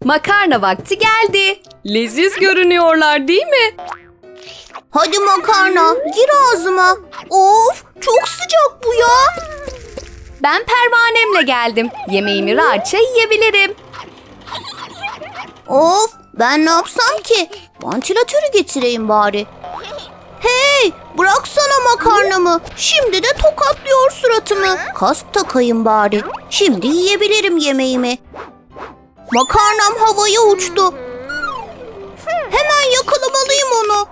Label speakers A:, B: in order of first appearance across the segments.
A: Makarna vakti geldi. Leziz görünüyorlar değil mi?
B: Hadi makarna, gir ağzıma. Of, çok sıcak bu ya.
A: Ben pervanemle geldim. Yemeğimi rahatça yiyebilirim.
B: Of, ben ne yapsam ki? Vantilatörü getireyim bari. Hey, bıraksana makarnamı. Şimdi de tokatlıyor suratımı. Kask takayım bari. Şimdi yiyebilirim yemeğimi. Makarnam havaya uçtu. Hemen yakalamalıyım onu.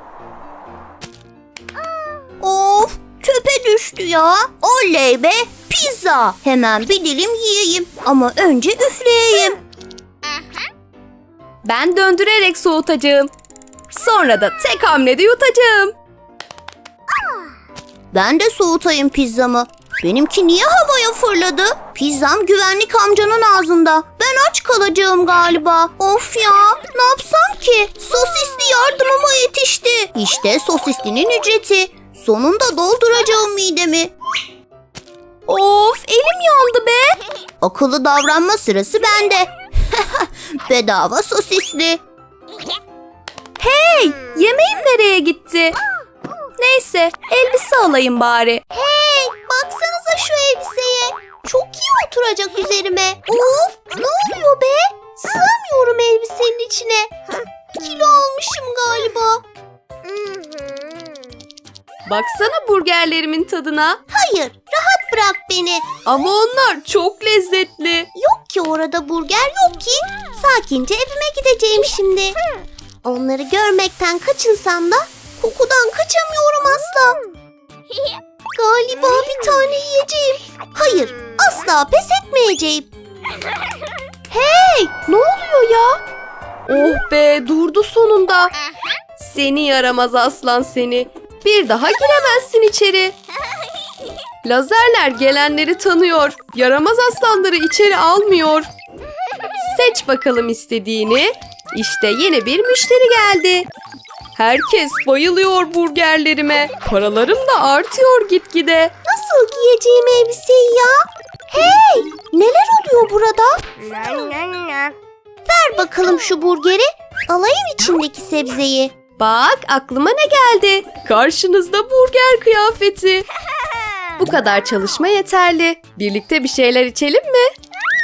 B: Of, çöpe düştü ya. Oley be, pizza. Hemen bir dilim yiyeyim. Ama önce üfleyeyim.
A: Ben döndürerek soğutacağım. Sonra da tek hamlede yutacağım.
B: Ben de soğutayım pizzamı. Benimki niye havaya fırladı? Pizzam güvenlik amcanın ağzında. Ben aç kalacağım galiba. Of ya, ne yapsam ki? Sosisli yardımıma yetişti. İşte sosislinin ücreti. Sonunda dolduracağım midemi.
A: Of, elim yandı be.
B: Akıllı davranma sırası bende. Bedava sosisli.
A: Hey, yemeğim nereye gitti? Neyse, elbise alayım bari.
B: Hey, baksanıza şu elbiseye. Çok iyi oturacak üzerime. Of, ne oluyor be? Sığamıyorum elbisenin içine. Kilo almışım galiba.
A: Baksana burgerlerimin tadına.
B: Hayır, rahat bırak beni.
A: Ama onlar çok lezzetli.
B: Yok ki orada burger yok ki. Sakince evime gideceğim şimdi. Onları görmekten kaçınsam da kokudan kaçamıyorum asla. Galiba bir tane yiyeceğim. Hayır, asla pes etmeyeceğim.
A: Hey, ne oluyor ya? Oh be, durdu sonunda. Seni yaramaz aslan seni. Bir daha giremezsin içeri. Lazerler gelenleri tanıyor. Yaramaz aslanları içeri almıyor. Seç bakalım istediğini. İşte yeni bir müşteri geldi. Herkes bayılıyor burgerlerime. Paralarım da artıyor gitgide.
B: Nasıl giyeceğim elbiseyi ya? Hey, neler oluyor burada? Ver bakalım şu burgeri. Alayım içindeki sebzeyi.
A: Bak aklıma ne geldi? Karşınızda burger kıyafeti. Bu kadar çalışma yeterli. Birlikte bir şeyler içelim mi?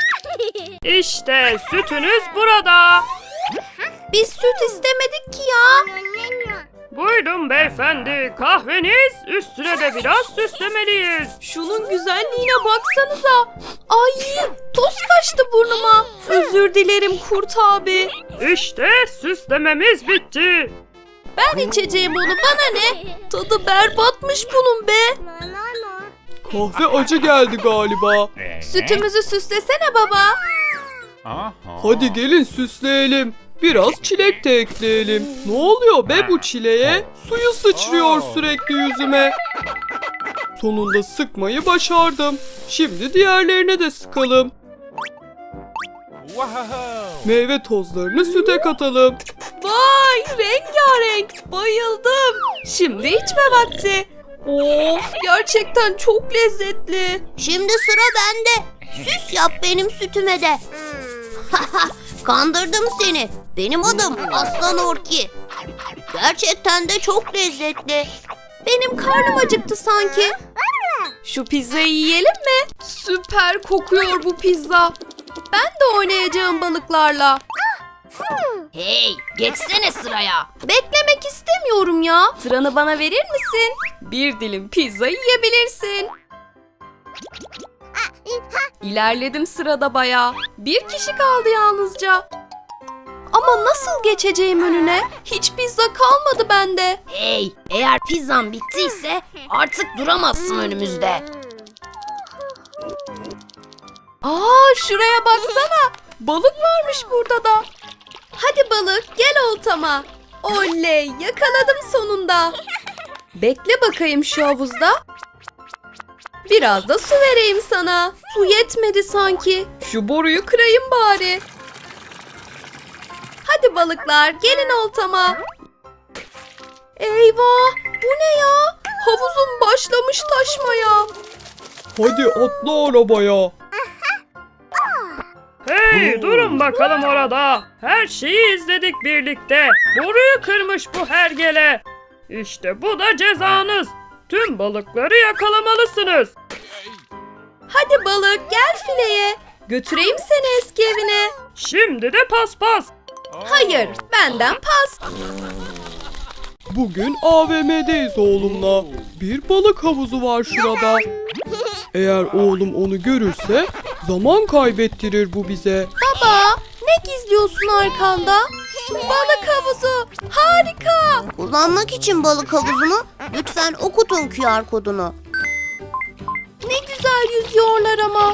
C: İşte sütünüz burada.
A: Biz süt istemedik ki ya.
C: Buyurun beyefendi, kahveniz, üstüne de biraz süslemeliyiz.
A: Şunun güzelliğine baksanıza. Ay, toz kaçtı burnuma. Özür dilerim kurt abi.
C: İşte süslememiz bitti.
A: Ben içeceğim onu, bana ne? Tadı berbatmış bunun be.
D: Kahve acı geldi galiba.
A: Sütümüzü süslesene baba.
D: Hadi gelin süsleyelim. Biraz çilek de ekleyelim. Ne oluyor be bu çileğe? Suyu sıçrıyor sürekli yüzüme. Sonunda sıkmayı başardım. Şimdi diğerlerine de sıkalım. Meyve tozlarını süte katalım.
A: Vay, rengarenk, bayıldım. Şimdi içme vakti. Of, gerçekten çok lezzetli.
B: Şimdi sıra bende. Süs yap benim sütüme de. Kandırdım seni. Benim adım Aslan Orki. Gerçekten de çok lezzetli.
A: Benim karnım acıktı sanki. Şu pizzayı yiyelim mi? Süper kokuyor bu pizza. Ben de oynayacağım balıklarla.
B: Hey, geçsene sıraya.
A: Beklemek istemiyorum ya. Sıranı bana verir misin? Bir dilim pizza yiyebilirsin. İlerledim sırada bayağı. Bir kişi kaldı yalnızca. Ama nasıl geçeceğim önüne? Hiç pizza kalmadı bende.
B: Hey, eğer pizzan bittiyse artık duramazsın önümüzde.
A: Aa, şuraya baksana. Balık varmış burada da. Hadi balık, gel oltama. Oley, yakaladım sonunda. Bekle bakayım şu havuzda. Biraz da su vereyim sana. Su yetmedi sanki. Şu boruyu kırayım bari. Hadi balıklar, gelin oltama. Eyvah, bu ne ya? Havuzum başlamış taşmaya.
D: Hadi atla arabaya.
C: Hey durun bakalım orada. Her şeyi izledik birlikte. Boruyu kırmış bu hergele. İşte bu da cezanız. Tüm balıkları yakalamalısınız.
A: Hadi balık gel fileye. Götüreyim seni eski evine.
C: Şimdi de paspas.
A: Hayır, benden pas.
D: Bugün AVM'deyiz oğlumla. Bir balık havuzu var şurada. Eğer oğlum onu görürse zaman kaybettirir bu bize.
A: Baba, ne gizliyorsun arkanda? Balık havuzu, harika.
B: Kullanmak için balık havuzunu lütfen okutun QR kodunu.
A: Ne güzel yüzüyorlar ama.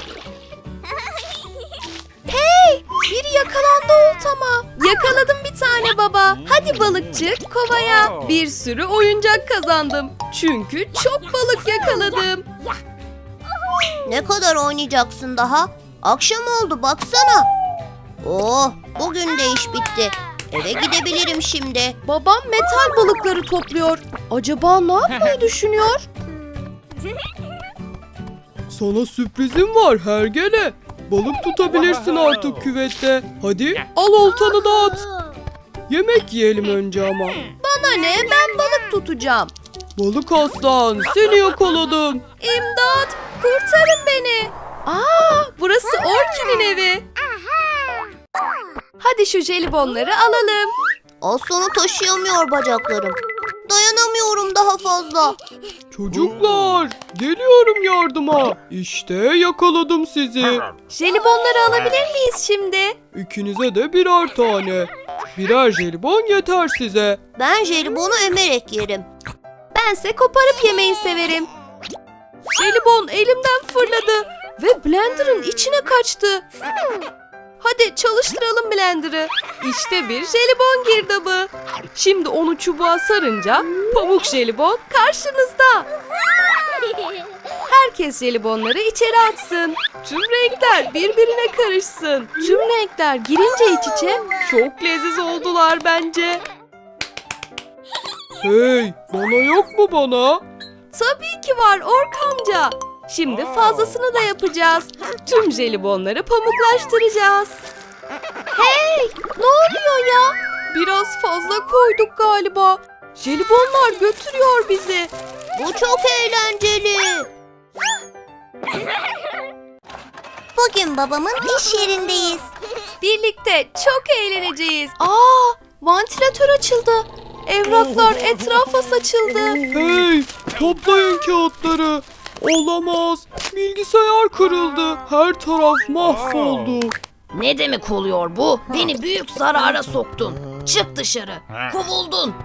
A: Hey, biri yakalandı oltama. Yakaladım bir tane baba. Hadi balıkçı kovaya. Bir sürü oyuncak kazandım. Çünkü çok balık yakaladım.
B: Ne kadar oynayacaksın daha? Akşam oldu baksana. Oh, bugün de iş bitti. Eve gidebilirim şimdi.
A: Babam metal balıkları topluyor. Acaba ne yapmayı düşünüyor?
D: Sana sürprizim var hergele. Balık tutabilirsin artık küvette. Hadi al oltanı da at. Yemek yiyelim önce ama.
A: Bana ne? Ben balık tutacağım.
D: Balık aslan seni yakaladım.
A: İmdat! Kurtarın beni. Aa, burası Orkin'in evi. Hadi şu jelibonları alalım.
B: Aslanı taşıyamıyor bacaklarım. Dayanamıyorum daha fazla.
D: Çocuklar geliyorum yardıma. İşte yakaladım sizi.
A: Jelibonları alabilir miyiz şimdi?
D: İkinize de birer tane. Birer jelibon yeter size.
B: Ben jelibonu emerek yerim.
A: Bense koparıp yemeyi severim. Jelibon elimden fırladı ve blenderın içine kaçtı. Hadi çalıştıralım blenderı. İşte bir jelibon girdabı. Şimdi onu çubuğa sarınca pamuk jelibon karşınızda. Herkes jelibonları içeri atsın. Tüm renkler birbirine karışsın. Tüm renkler girince iç içe çok leziz oldular bence.
D: Hey bana yok mu bana?
A: Tabii ki var Ork amca. Şimdi fazlasını da yapacağız. Tüm jelibonları pamuklaştıracağız. Hey, ne oluyor ya? Biraz fazla koyduk galiba. Jelibonlar götürüyor bizi.
B: Bu çok eğlenceli. Bugün babamın iş yerindeyiz.
A: Birlikte çok eğleneceğiz. Aa, vantilatör açıldı. Evraklar etrafa saçıldı.
D: Hey toplayın kağıtları. Olamaz. Bilgisayar kırıldı. Her taraf mahvoldu.
E: Ne demek oluyor bu? Beni büyük zarara soktun. Çık dışarı. Kovuldun.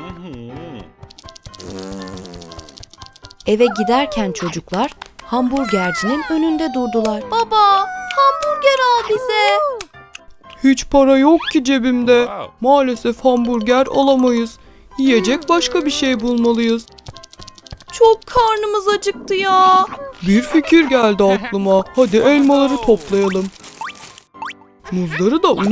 A: Eve giderken çocuklar hamburgercinin önünde durdular. Baba, hamburger al bize.
D: Hiç para yok ki cebimde. Maalesef hamburger alamayız. Yiyecek başka bir şey bulmalıyız.
A: Çok karnımız acıktı ya.
D: Bir fikir geldi aklıma. Hadi elmaları toplayalım. Muzları da